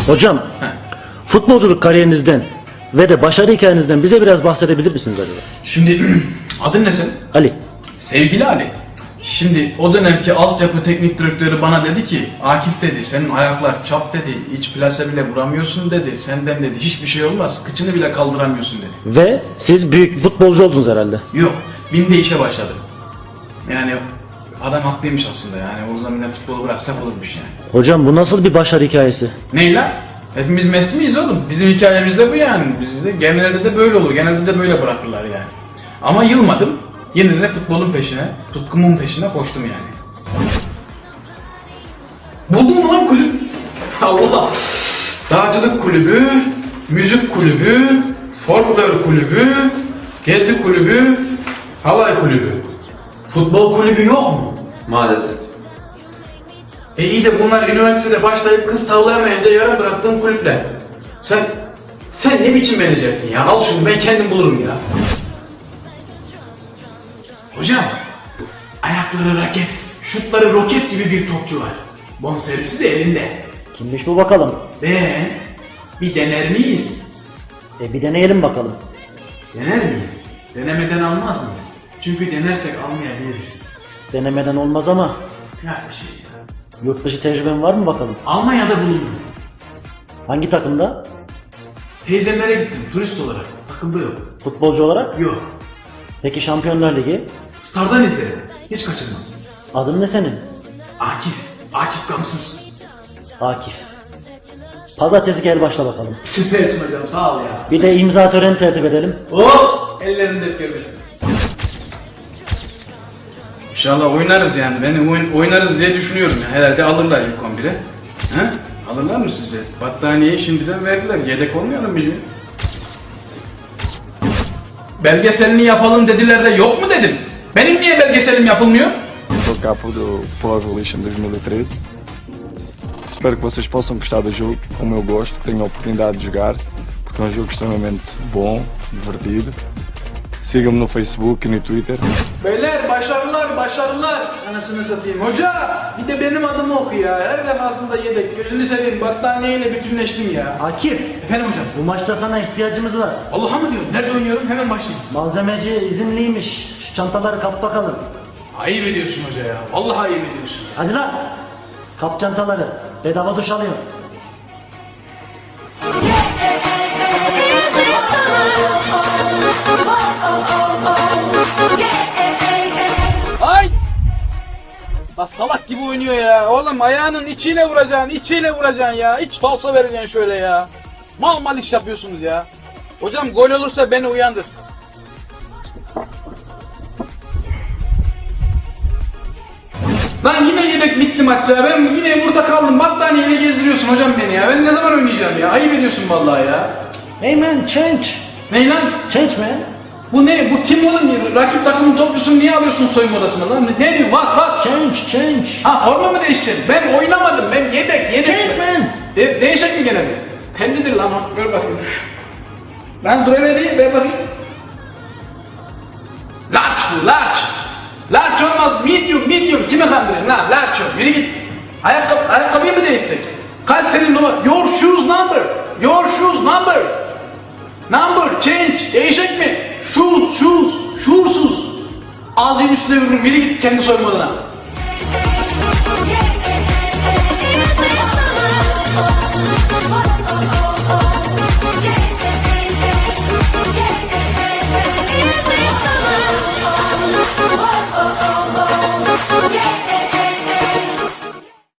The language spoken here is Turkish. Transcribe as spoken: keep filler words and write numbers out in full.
Hocam, Heh. futbolculuk kariyerinizden ve de başarı hikayenizden bize biraz bahsedebilir misiniz acaba? Şimdi adın ne senin? Ali. Sevgili Ali. Şimdi o dönemki altyapı teknik direktörü bana dedi ki Akif dedi senin ayaklar çap dedi, hiç plase bile vuramıyorsun dedi, senden dedi hiçbir şey olmaz, kıçını bile kaldıramıyorsun dedi. Ve siz büyük futbolcu oldunuz herhalde. Yok, BİM'de işe başladım. Yani adam haklıymış aslında, yani o zaman bile futbolu bıraksak olurmuş yani. Hocam bu nasıl bir başarı hikayesi? Ney lan? Hepimiz Messi miyiz oğlum? Bizim hikayemiz de bu yani. Bizde genelde de böyle olur, genelde de böyle bırakırlar yani. Ama yılmadım. Yine de futbolun peşine, tutkumun peşine koştum yani. Buldum mu lan kulüp? Allah! Dağcılık kulübü, müzik kulübü, folklor kulübü, gezi kulübü, halay kulübü. Futbol kulübü yok mu? Maalesef. E iyi de bunlar üniversitede başlayıp kız tavlayamayınca yarım bıraktığım kulüpler. Sen, sen ne biçim menajersin ya? Al şunu ben kendim bulurum ya. Hocam, ayakları raket, şutları roket gibi bir topçu var. Bonservisi de elinde. Kimmiş bu bakalım? Ve bir dener miyiz? E bir deneyelim bakalım. Dener miyiz? Denemeden almaz mıyız? Çünkü denersek almayabiliriz. Denemeden olmaz ama Ya bir şey ya. yurt dışı tecrüben var mı bakalım? Almanya'da bulundum. Hangi takımda? Teyzemlere gittim turist olarak. Takımda yok. Futbolcu olarak? Yok. Peki Şampiyonlar Ligi? Star'dan izledim. Hiç kaçırmam. Adın ne senin? Akif. Akif Gamsız. Akif. Pazartesi gel başla bakalım. Süpersin hocam sağ ol ya. Bir de imza töreni tertip edelim. Oh! Ellerinde görmesin. İnşallah oynarız yani. Ben oyun, oynarız diye düşünüyorum ya. Herhalde alırlar ilk on bire. He? Alırlar mı sizce? Battaniyeyi şimdiden verdiler. Yedek olmayalım bizim. Belgeselini yapalım dediler de yok mu dedim. Benim niye belgeselim yapılmıyor? Sou capo do Pro Evolution dois mil e treze. Espero que vocês possam gostar do jogo, como eu gosto, que tenham a oportunidade de jogar, porque é um jogo extremamente bom, divertido. Sigam-me no Facebook e no Twitter. Beyler başarılar başarılar. Anasını satayım. Hoca bir de benim adımı oku ya. Her defasında yedek. Gözünü seveyim battaniyeyle bütünleştim ya. Akif, Efendim hocam. bu maçta sana ihtiyacımız var. Allah'a mı diyorum? Nerede oynuyorum? Hemen başlayayım. Malzemeci izinliymiş. Şu çantaları kap bakalım. Ayıp ediyorsun hoca ya. Vallahi ayıp ediyorsun. Hadi lan. Kap çantaları. Bedava duş alıyor. Ay! Bak salak gibi oynuyor ya. Oğlum ayağının içiyle vuracaksın, içiyle vuracaksın ya. Hiç falso vereceksin şöyle ya. Mal mal iş yapıyorsunuz ya. Hocam gol olursa beni uyandır. Lan yine yedek bitti maç ya. Ben yine burada kaldım. Battaniyeyle gezdiriyorsun hocam beni ya. Ben ne zaman oynayacağım ya? Ayıp ediyorsun vallahi ya. Hey man, change. Ney lan? Change man. Bu ne? Bu kim oğlum? Rakip takımın topçusunu niye alıyorsun soyunma odasına lan? Ne diyor? Bak bak. Change, change. Ha forma mı değişeceksin? Ben oynamadım. Ben yedek yedek. Change man. De değişecek mi gene mi? Penlidir lan o. Gör bakayım. Lan dur hele değil. Ver bakayım. Large bu. Large. Large olmaz. Medium. Medium. Kimi kandırıyorsun lan? Large ol. Yürü git. Ayakkabı, ayakkabıyı mı değişsek? Kaç senin numara? Your shoes number. Your shoes number. Number. Change. Değişecek mi? Shoes. Shoes. Shoesuz. Ağzının üstüne vururum. Yürü git kendi soyunma odana.